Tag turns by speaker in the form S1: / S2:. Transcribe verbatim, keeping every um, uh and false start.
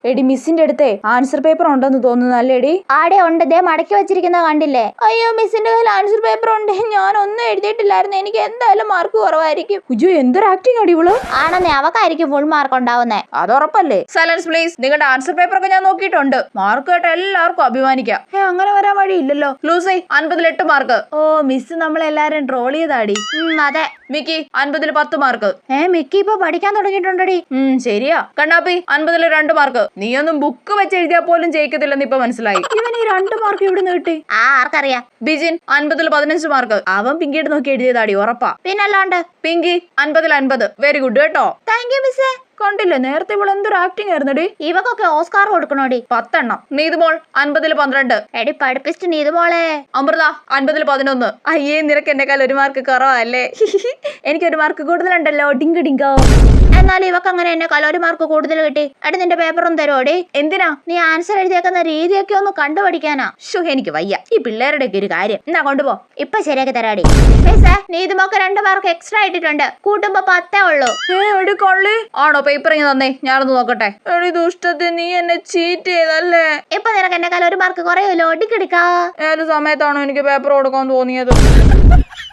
S1: എടി മിസ്സിന്റെ അടുത്തേ answer paper ഉണ്ടെന്ന് തോന്നുന്നു അല്ലേടി?
S2: ആടെ ഉണ്ട്, ദേ മടക്കി വെച്ചിരിക്കുന്ന കണ്ടില്ലേ?
S1: അയ്യോ മിസ്സിന്റെ കയ്യിൽ ആൻസർ പേപ്പർ ഉണ്ട്, ഞാൻ ഒന്നും എഴുതിയിട്ടില്ലായിരുന്നു, എനിക്ക് എന്തായാലും മാർക്ക് കുറവായിരിക്കും. ഉജു എന്തൊരു ആക്ടിങ് അടി ഇവള്.
S2: ആണെന്നേ, അവക്കായിരിക്കും ഫുൾ മാർക്ക് ഉണ്ടാവുന്നേ.
S1: അത് ഉറപ്പല്ലേ? Silence please. നിങ്ങളുടെ ആൻസർ പേപ്പർ ഒക്കെ ഞാൻ നോക്കിയിട്ടുണ്ട്, മാർക്ക് കേട്ട എല്ലാവർക്കും അഭിമാനിക്കാം. ഏ അങ്ങനെ വരാൻ വഴിയില്ലല്ലോ. ലൂസി അൻപതിൽ എട്ട് മാർക്ക്. ഓ മിസ് നമ്മളെല്ലാരും ട്രോൾ ചെയ്താടി.
S2: അതെ.
S1: മിക്കി അൻപതിൽ പത്ത് മാർക്ക്.
S2: ഏ മിക്കി ഇപ്പൊ പഠിക്കാൻ തുടങ്ങിയിട്ടുണ്ടടി.
S1: ഉം ശരിയാ. കണ്ണാപ്പി അൻപതിൽ രണ്ട് മാർക്ക്. നീയൊന്നും ബുക്ക് വെച്ച് എഴുതിയാൽ പോലും ജയിക്കത്തില്ലെന്ന് ഇപ്പൊ മനസ്സിലായി. ഇവൻ ഈ രണ്ട് മാർക്ക് ഇവിടെ നിന്ന് കിട്ടി?
S2: ആ ആർക്കറിയാം.
S1: ബിജിൻ അൻപതിൽ പതിനഞ്ച് മാർക്ക്. അവൻ പിങ്കിയുടെ നോക്കി എഴുതിയതാടി, ഉറപ്പാ.
S2: പിന്നല്ലാണ്ട്.
S1: പിങ്കി അൻപതിൽ അൻപത്. വെരി ഗുഡ് കേട്ടോ.
S2: താങ്ക് യു മിസ്സേ.
S1: കണ്ടില്ലേ നേരത്തെ ഇവൾ എന്തൊരു ആക്ടിങ് ആയിരുന്നടി.
S2: ഇവക്കൊക്കെ ഓസ്കാർ കൊടുക്കണോടി.
S1: പത്തെണ്ണം. നീതുമോൾ അൻപതിൽ പന്ത്രണ്ട്.
S2: എടി പഠിപ്പിച്ചിട്ട് നീതുമോളെ.
S1: അമൃത അൻപതിൽ പതിനൊന്ന്. അയ്യേ നിനക്ക് എന്നെക്കാൾ ഒരു മാർക്ക് കുറവല്ലേ? എനിക്കൊരു മാർക്ക് കൂടുതലുണ്ടല്ലോ. Dink dingo.
S2: എന്നാലും ഇവക്ക് അങ്ങനെ എന്നെക്കാൾ ഒരു മാർക്ക് കൂടുതൽ കിട്ടി. എടി നിന്റെ പേപ്പറും തരുമോടി?
S1: എന്തിനാ?
S2: നീ ആൻസർ എഴുതിയേക്കുന്ന രീതിയൊക്കെ ഒന്ന് കണ്ടുപഠിക്കാനാ.
S1: ഷോ എനിക്ക് വയ്യ ഈ പിള്ളേരുടെ ഒക്കെ ഒരു കാര്യം. എന്നാ കൊണ്ടുപോ.
S2: ഇപ്പൊ ശരിയാക്കി തരാടി. മിസ്സേ നീതുമോക്ക് രണ്ട് മാർക്ക് എക്സ്ട്രാ ഇട്ടിട്ടുണ്ട്, കൂട്ടുമ്പോ പത്തേ ഉള്ളൂ.
S1: ഏ കൊള്ളി ആണോ? പേപ്പർ ഇങ്ങനെ തന്നെ ഞാനൊന്ന് നോക്കട്ടെ. എടി ദുഷ്ടത്തെ, നീ എന്നെ ചീറ്റ് ചെയ്തല്ലേ.
S2: ഇപ്പൊ നിനക്ക് എന്നെക്കാൾ ഒരു മാർക്ക് കുറയുമല്ലോ. ഒടിക്കെടുക്കാ.
S1: ഏത് സമയത്താണോ എനിക്ക് പേപ്പർ കൊടുക്കാൻ തോന്നിയത്?